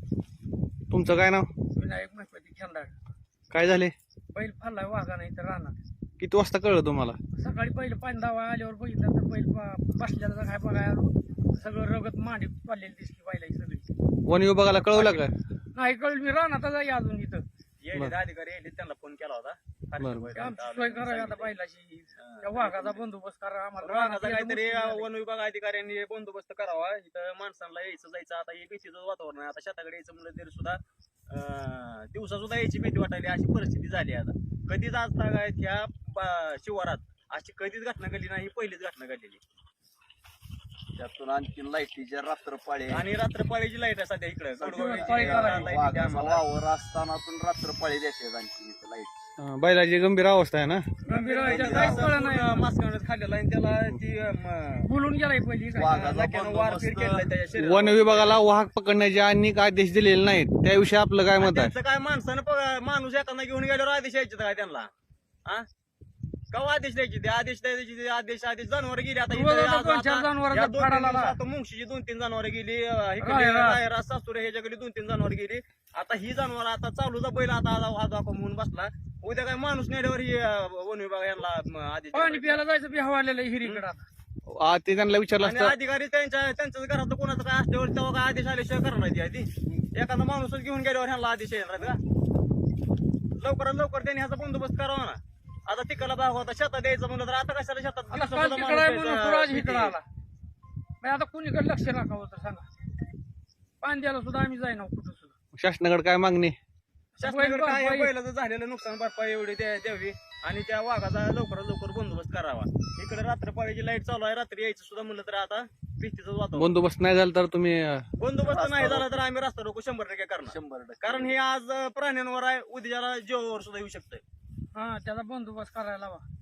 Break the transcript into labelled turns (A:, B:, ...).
A: तुमचं काय नाव?
B: विनायक महत्वाची खेळणार.
A: काय झाले?
B: बैल फाडलाय वाघा नाही तर राहणार.
A: किती वाजता कळलं तुम्हाला?
B: सकाळी पहिलं पाणी दावा आल्यावर बघितलं तर बैल बसल्याला काय बघायला सगळं रगत मांडी पडलेली दिसली बैलाची सगळी.
A: वन विभागाला कळवलं का?
B: नाही कळलं, मी राहणार आहे अजून इथं.
C: अधिकारी यायले त्यांना फोन केला होता.
B: आमची सोय करावी आता बैलाची. त्या वाघाचा बंदोबस्त करा आम्हाला.
C: रानाचा काहीतरी वन विभाग अधिकाऱ्यांनी बंदोबस्त करावा. इथं माणसांना यायचं जायचं आता हे भीतीचं वातावरण आहे. आता शेताकडे यायचं म्हणलं तरी सुद्धा दिवसा सुद्धा यायची भीती वाटायली, अशी परिस्थिती झाली. आता कधीच आज तागायत ह्या शिवारात अशी कधीच घटना घडली नाही, पहिलीच घटना घडलेली.
D: त्यातून आणखी लाईटीच्या रात्रपाळी
C: आणि रात्रपाळीची लाईट आहे सध्या इकडे
D: वावर असताना पण रात्रपाळी देते आणखी इथं लाईट.
A: बैलाची गंभीर अवस्था आहे ना?
B: गंभीर व्हायच्या काहीच कळलं नाही.
C: मास्क खाल्लेला आणि त्याला ती
B: बोलून गेलाय पहिली काय.
D: वाघाचा
C: वारपीट केलाय त्याच्या शरीरावर.
A: वन विभागाला वाहक पकडण्याचे अनेक आदेश दिलेले नाहीत, त्याविषयी आपलं काय मत आहे?
C: त्यांचं काय माणसानं माणूस एखादा घेऊन गेल्यावर आदेश यायचे काय त्यांना? हा केव्हा आदेश द्यायचे? ते आदेश द्यायचे, आदेश जनावर गेली. आता
B: दोन-चार जनावरं फाडाला.
C: मुंगशीची 2-3 जनावर गेली,
B: रायरा.
C: सासुरे ह्याच्याकडे 2-3 जनावर गेली. आता ही जनावर आता चालूचा बैल आता म्हणून बसला. उद्या काय माणूस नेल्यावर ही वन विभाग यांना आदेश
B: पाणी प्यायला जायचं बी हवालेलं हिरीकडे आता.
A: ते त्यांना विचारलं
C: आणि
A: असतं.
C: अधिकारी त्यांच्याच घरात कोणाचं काय असल्यावर तेव्हा काय आदेश आल्याशिवाय करणार नाही ती आधी. एखादा माणूसच घेऊन गेल्यावर ह्यांना आदेश येणार का? लवकरात लवकर त्यांनी ह्याचा बंदोबस्त करावा ना. आता तिकडला भाग होता शेतात द्यायचं म्हणलं तर आता कशाला शेतात
B: आता काल तिकडे आहे म्हणून पुराज इकडे आला. मग आता कुणीकडे लक्ष राखावं तर सांगा. पाणी द्यायला सुद्धा आम्ही जाईना कुठं सुद्धा.
A: शासनाकडे काय मागणी?
C: शासनाकडे काय बैलाचं झालेलं नुकसान भरपाई एवढी द्यावी आणि त्या वाघाचा लवकरात लवकर बंदोबस्त करावा. इकडे रात्रपाळीची लाईट चालू आहे, रात्री यायचं सुद्धा म्हणलं तर आता भीतीचं वातावरण.
A: बंदोबस्त नाही झाला तर तुम्ही
C: बंदोबस्त नाही झाला तर आम्ही रस्ता रोको 100% करणार.
D: 100%.
C: कारण हे आज प्राण्यांवर आहे, उद्याला जीवावर सुद्धा येऊ शकतंय.
B: हा त्याचा बंदोबस्त करायला हवा.